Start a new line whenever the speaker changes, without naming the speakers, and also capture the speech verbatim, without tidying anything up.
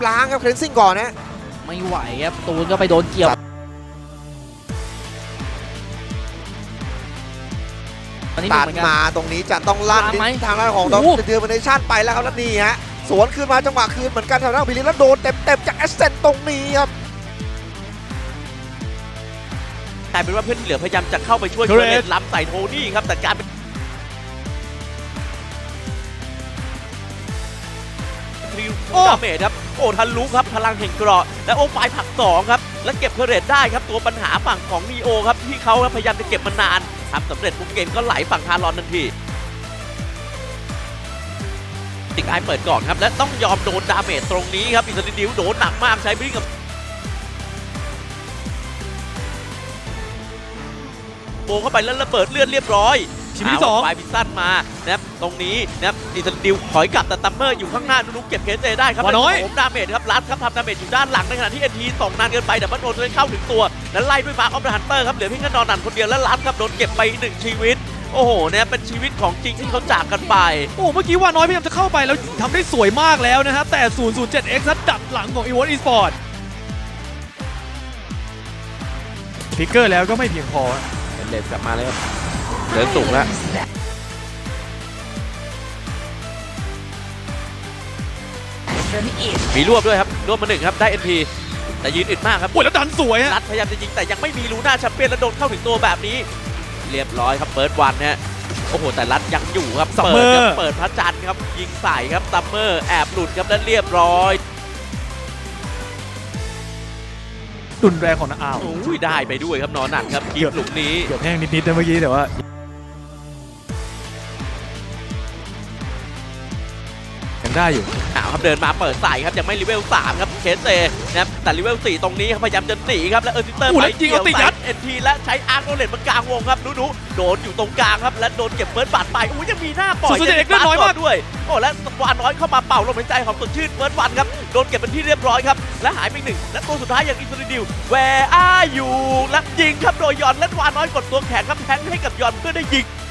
ล้างครับเคลนซิ่งก่อนนะ
ไม่ไหวครับตูนก็ไปโดนเกี่ยว
ตัดมาตรงนี้จะต้องลั่นทางด้านของดอมเทอร์มินชั่นไปแล้วครับแล้วนี่ฮะสวนคืนมาจังหวะคืนเหมือนกันทางด้านพิลิแล้วโดนเต็มๆจากแอสเซนตรงนี้ครับ
กลายเป็นว่าเพื่อนที่เหลือพยายามจะเข้าไปช่วยเทเลสล้ำใส่โทนี่ครับแต่การเป็นทริวดาเมจครับโอ้ทันลุกครับพลังแห่งเกราะและโอ้ไฟผักสองครับและเก็บเทเลสได้ครับตัวปัญหาฝั่งของนีโอครับที่เขาพยายามจะเก็บมานานทำสำเร็จปุ๊บเกมก็ไหลฝั่งทารอนทันทีติกไอเปิดก่อนครับและต้องยอมโดนดาเมจตรงนี้ครับอิสราเอลโดนหนักมากใช้บริงกับโบเข้าไปแล้วระเบิดเลือดเรียบร้อย
ทีมที่สอง
ไฟพิซซันมานะครับตรงนี้นะครับอิสราเอลถอยกลับแต่ตัมเมอร์อยู่ข้างหน้านุ๊กเก็บเคสเอได้ครับ
น้อย
ผมดาเมจครับลัดครับทำดาเมจอยู่ด้านหลังในขณะที่เอ็นทีส่งนานเกินไปแต่บัตโดนเข้าถึงตัวแล้วไล่ด้วยมาร์คออฟเดอะฮันเตอร์ครับเหลือเพียงแค่นอนนันคนเดียวแล้วลัดครับโดนเก็บไปหนึ่งชีวิตโอ้โหเนี่ยเป็นชีวิตของจริงที่เขาจากกันไป
โอ้เมื่อกี้ว่าน้อยพยายามจะเข้าไปแล้วทำได้สวยมากแล้วนะฮะแต่ ศูนย์ ศูนย์ เจ็ด เอ็กซ์ นั้นดักหลังของ อี วอ อี Esports พิกเกอร์แล้วก็ไม่เพียงพอ
เป็นเลสกลับมาเลยครับเดินสูงแล้วมีรวบด้วยครับรวบมาหนึ่งครับได้ เอ็น พี แต่ยืนอึดมากครับ
โอ้ยแล้วดันสวยฮะ
รัดพยายามจะยิงแต่ยังไม่มีลูน่าแชมเปี้ยนแล้วโดนเข้าถึงตัวแบบนี้เรียบร้อยครับเปิดวันฮะโอ้โหแต่รัดยังอยู่ครับเปิดครับเปิดพระจันทร์ครับยิงใส่ครับซัมเมอร์แอบหลุดครับแล้วเรียบร้อย
ดุนแรงของนักอ้าว
อุ้ยได้ไปด้วยครับนอนหนักครับคีบหลุมนี้
เกือบแห้งนิดๆนะเมื่อกี้แต่ว่ายังได้อยู่
อ้าวครับเดินมาเปิดใส่ครับยังไม่เลเวลสามครับเคสเซนะครับแต่เลเวลสี่ตรงนี้ครับพยายามจะหนีครับแล้วเออร์ซิเตอร์ไป
เกี่ยวใส่
เอ็นทีและใช้อาร์โนเลตมากลางวงครับนุ๊ๆโดนอยู่ตรงกลางครับและโดนเก็บเบิร์ดบาดไปอุ้ยยังมีหน้าปล่อย
สุดๆเด็กน้อยมาก
ด้วยโอ้และวานน้อยเข้ามาเป่าลมหายใจของสดชื่นเบิร์ดวันครับโดนเก็บเป็นที่เรียบร้อยครับและหายไปหนึ่งและตัวสุดท้ายอย่างอินซูลิดิวแวร์อาอยู่และยิงครับโดยยอนและวานน้อยกดตัวแข็งครับแทงให้กับยอนเพื่อได้ยิง